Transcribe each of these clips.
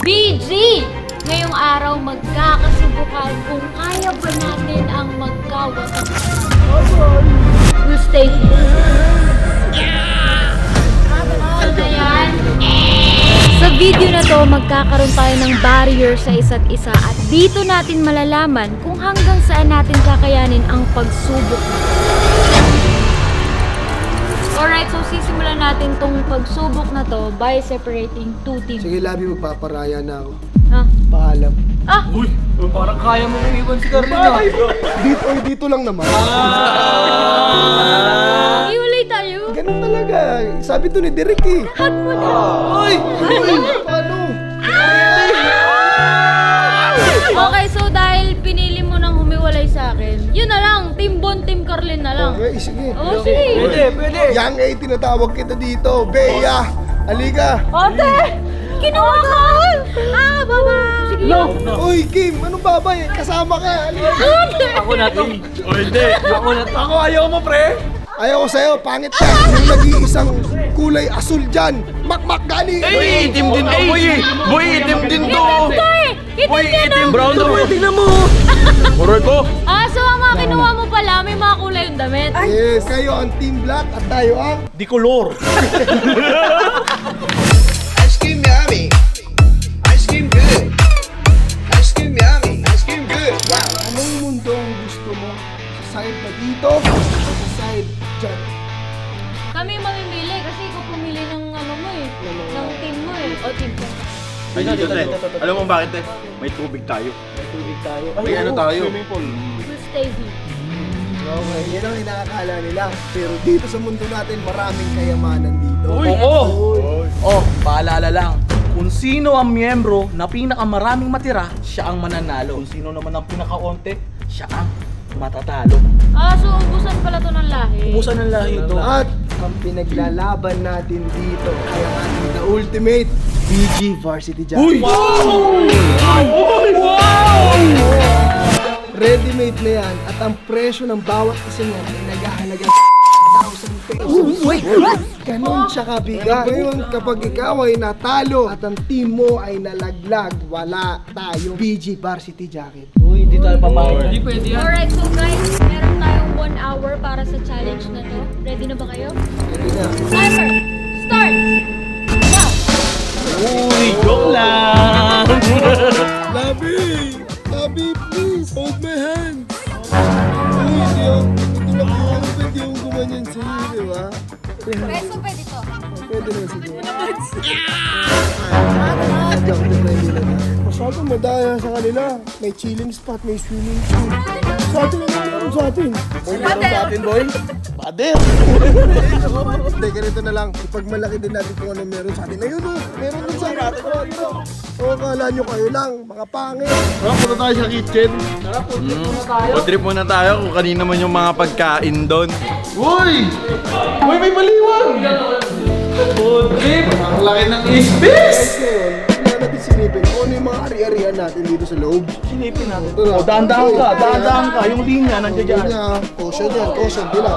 BG! Ngayong araw magkakasubukan kung kaya ba natin ang magkawatak. We'll stay here. So yan. Sa video na to, magkakaroon tayo ng barrier sa isa't isa at dito natin malalaman kung hanggang saan natin kakayanin ang pagsubok. Alright, so sisimulan natin tong pagsubok na to by separating two teams. Sige, Labi, magpaparaya na ako. Ha? Paalam. Ah! Uy, parang kaya mo iwan si Carlina. Dito lang naman. Iulay tayo! Ganun talaga. Sabi to ni Derek eh. Hug mo na! Uy! Paano? Okay, so dahil pinili mo nang humiwalay sa akin, yun na lang, Team Bon, Team Carlin na lang. Okay, sige. Oh, sige! Pwede. Yang A, tinatawag kita dito. Bea, halika. Ate! Kinuha ka! Ah, baba! Sige. No! Uy, Kim, ano babay? Kasama ka. Halika. Ate! Ako na to. O hindi. Ako ayaw mo, pre. Ayaw ko sa'yo, pangit ka. Yung nag-iisang kulay asul dyan. Makmak gani. Boy, itim din to, boy. Boy, itim din to. Boy, itim brown to. Boy, tingnan mo. Moroy ko. Ah, so ang mga kinuha mo pala, may mga kulay yung damit. Yes, kayo ang Team Black at tayo ang... Di color. Ice cream yummy. Ice cream good. Ice cream yummy. Ice cream good. Wow. Anong mundo ang gusto mo? Sa side na dito o sa side dyan? Kami mamimili kasi ikaw pumili ng ano mo eh. Ng team mo eh. O team ko. Ay, dito, te. Alam mo bakit, te? May tubig tayo. May ano tayo? We'll stay here. Okay, yan ang inakakala nila. Pero dito sa mundo natin, maraming kayamanan dito. Oo. Oh, paalala lang. Kung sino ang miyembro na pinakamaraming matira, siya ang mananalo. Kung sino naman ang pinakaonte, siya ang matatalo. Ah, so ubusan pala to ng lahi. Ubusan ng lahi ito. At ang pinaglalaban natin dito ay ang ating the ultimate BG Varsity Jacket. Ready-made na yan at ang presyo ng bawat isa niyan ay naghahalaga 1,000 pesos. Ganon siya kabigat. Ngayon, kapag ikaw ay natalo at ang team mo ay nalaglag, wala tayong BG Varsity Jacket. Uy, hindi tayo papayag. Hindi pwede Alright, so guys, meron tayong 1 hour para sa challenge na to. Ready na ba kayo? Ready na. Timer! Start! Now! Uy, joke lang. Labi! Labi, please! Hold my hand! Uy, hindi ako pwede yung gumanyan sa'yo, di ba? Peso pwede to. Pwede naman siguro. Joke na ready na. Masyadong madaya sa kanila. May chilling spot, may swimming pool. Sa atin ang meron sa atin. Boy, meron sa atin, boy. Pader! Hindi, ganito na lang. Ipagmalaki din natin kung ano meron sa atin. Ayun o, meron din sa atin. O, kala nyo kayo lang, mga pangit. Punta tayo sa kitchen. Food trip muna tayo kung kanina man yung mga pagkain doon. Uy! Uy, may baliwan! Food trip. Ang laki ng isbis. Ngayon, kailangan natin silipin kung ano yung mga ari-arian natin dito sa loob. Silipin natin. O, dahan-dahan ka. Yung linya nandiyan dyan. Kanya, caution yan, caution, bilang.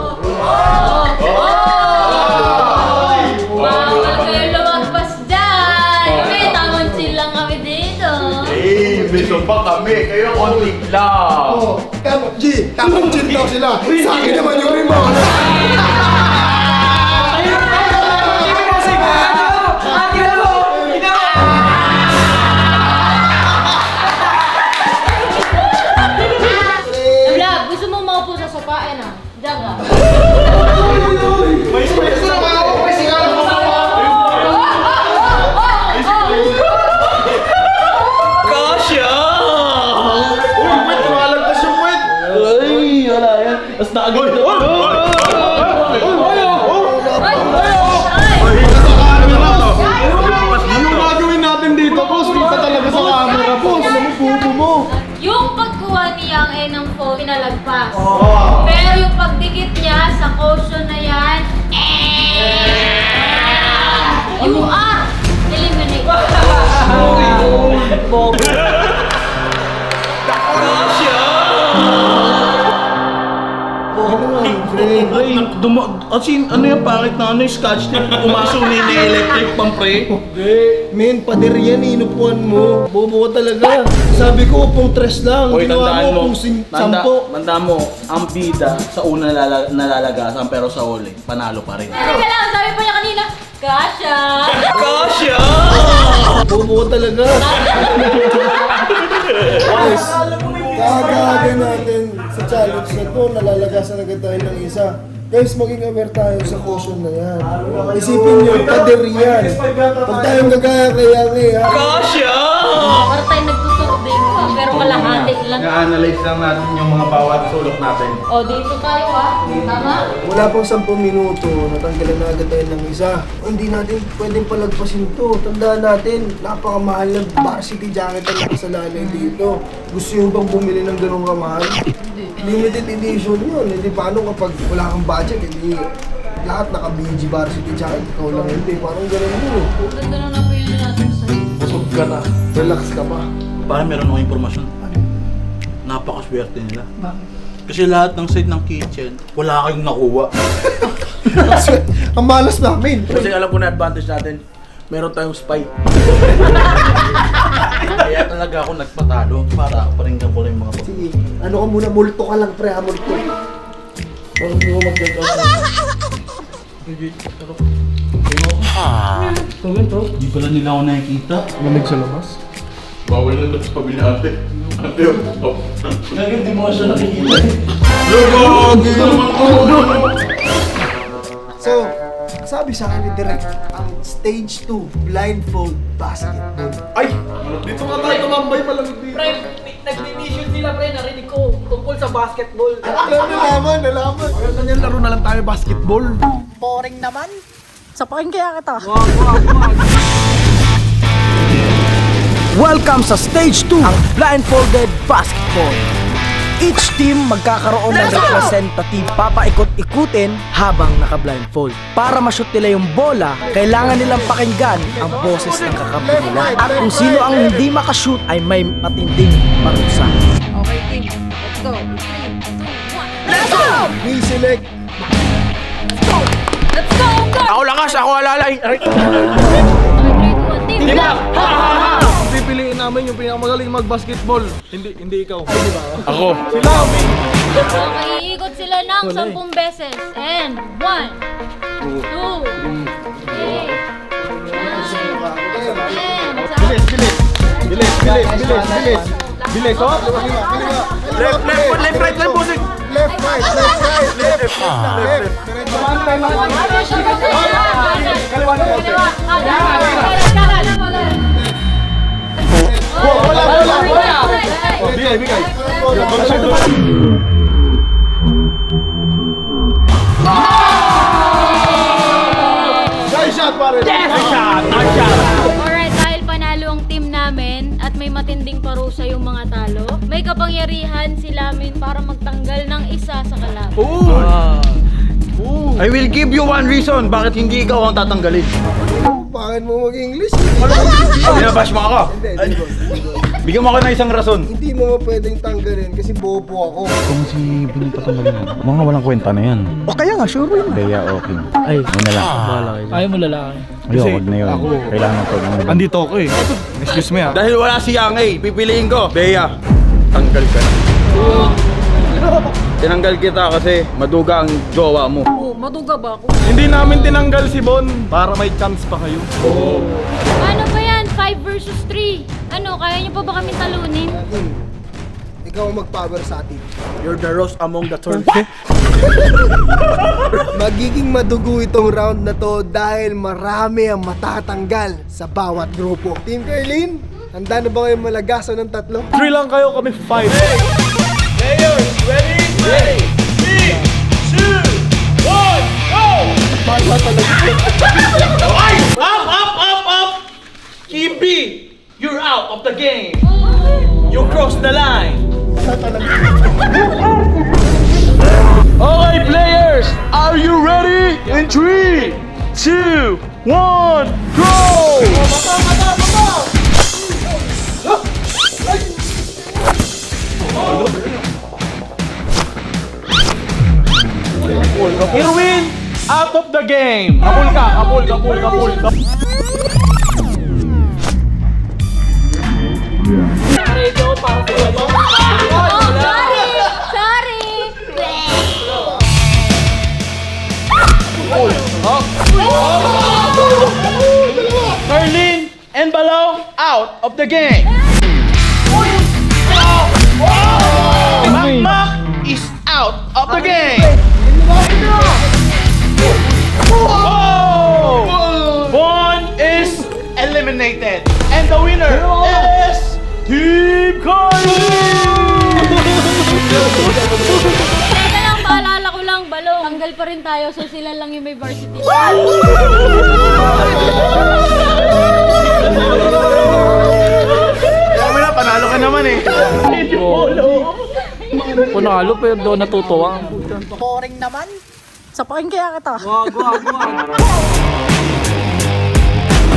Bawal kayo lumagpas dyan! Kami, tamang chill lang kami dito. Eh, beso pa kami. Kayo konting lang. Oh, tamang chin daw sila. Sa akin naman yung remote. Vlog, gusto mo maupo sa sopa? Ayan na. Diyan ka. Kasya! Uy, wait, tumalagpas yung wait. Ay, wala yan. Tapos naagad ito. Yung gagawin natin dito, boss, kita talaga sa camera, boss. Ano mo, bubo mo? Yung pagkuha ni Yang A ng phone, pinalagpas. Pero yung pagdikit niya sa caution na yan, you are eliminated. Kasya! Ano yung pangit na ano yung scotch tape? Pumasok na yung electric pang pre. Men, pader yan, inupuan mo. Bobo ka talaga. Sabi ko, upong tres lang. Hoy, Ginawa tandaan mo. upong sampo. Tandaan mo, ang bida sa una nalalagasan pero sa huli, panalo pa rin. Teka lang, sabi pa niya kanina, Kasha! Kasya! Bobo ka talaga. Guys, kakaga natin sa challenge na to, nalalagasan agad tayo ng isa. Guys, maging aware tayo sa caution na yan. Isipin nyo, pader yan. Huwag tayong gagaya kaya ha. Kasya! Para tayo nagtuturbing pa, pero kalahati lang. Na-analyze lang natin yung mga bawat sulok natin. O, dito tayo ha. Tama? Wala pang 10 minuto, natanggalan na agad tayo ng isa. Hindi natin pwedeng palagpasin to. Tandaan natin, napakamahal na varsity jacket ang nakasalalay dito. Gusto nyo bang bumili ng ganong kamahal? Limited edition yun. Hindi paano kapag wala kang budget, hindi lahat naka-BG varsity jacket. Ikaw lang hindi. Parang ganun yun. Ganda na napili natin sa'yo. Busog ka na. Relax ka pa. Parang meron akong impormasyon. Napakaswerte nila. Kasi lahat ng side ng kitchen, wala kayong nakuha. Ang malas namin. Kasi alam ko na advantage natin, meron tayong spy. Kaya talaga ako nagpatalo para paringgan ko lang yung mga pag- Sige, ano ka muna, multo ka lang pre ha, multo. Parang hindi mo mag-get Di pala nila ako nakikita. Lamig sa labas. Bawal na ito sa pamilya ate. Ate, Ngayon di mo siya nakikita. So, sabi sa akin ni Direk, ang stage 2, blindfold basketball. Ay! Dito nga tayo tumambay malamig dito. Pre, nag-mission sila pre, narinig ko tungkol sa basketball. Nalaman. Ganyan yan, laro na lang tayo basketball. Boring naman. Sapakin kaya kita. Welcome sa Stage 2, ang Blindfolded Basketball. Each team magkakaroon ng representative papaikot-ikutin habang naka-blindfold. Para ma-shoot nila yung bola, kailangan nilang pakinggan ang boses ng kakampi nila. At kung sino ang hindi makashoot ay may matinding parusa. Okay, team. Let's go. 3, 2, 1. Let's go! We select. Let's go! Go! Ako lakas, ako alalay. Okay, 3, 2, 1. Team Black! Pipiliin namin yung pinakamagaling mag-basketball. Hindi ikaw. Ako. Okay, iikot sila ng 10 beses. And 1, 2, 3, 10. Bilis, oh. Left, right, bossing. Left, right. Bigay. Nice shot, pare. Alright, dahil panalo ang team namin at may matinding parusa yung mga talo, may kapangyarihan si Lamin para magtanggal ng isa sa kalaban. I will give you one reason bakit hindi ikaw ang tatanggalin. Bakit mo mag-English? Binabash mo ako. Bigyan mo ako ng isang rason. Hindi mo pwedeng tanggalin kasi bobo ako. Kung si Benito tanggalin mo, mga walang kwenta na yan. O kaya nga, sure yun. Kaya okay. Ay, yun na lang. Ayaw mo lalaki. Ayun, wag na yun. Kailangan ko lang. Andito ako eh. Excuse me ah. Dahil wala si Yang eh, pipiliin ko. Bea, tanggal ka na. Tinanggal kita kasi maduga ang jowa mo. Oh, maduga ba ako? Hindi namin tinanggal si Bon para may chance pa kayo. Ano ba yan? 5 versus 3. Ano, kaya niyo pa ba kami talunin? Ikaw ang mag-power sa atin. You're the rose among the thorns. Magiging madugo itong round na to dahil marami ang matatanggal sa bawat grupo. Team Carlin, handa na ba kayong malagasan ng tatlo? 3 lang kayo, kami 5. Up! Kimby, you're out of the game. You crossed the line. Okay, players, are you ready? In 3, 2, 1, go! Here we the game. Kapul ka, kapul. Ready ako para sa iyo. Sorry! Merlin and Balong out of the game. Mak is out of the game. Bon is eliminated. And the winner is Team Carly! Teka lang, paalala ko lang, Balong. Tanggal pa rin tayo, so sila lang yung may varsity. Kaya mo na, panalo ka naman eh. Panalo pero doon natutuwa. Boring naman. Sapakin kaya kita. Wag.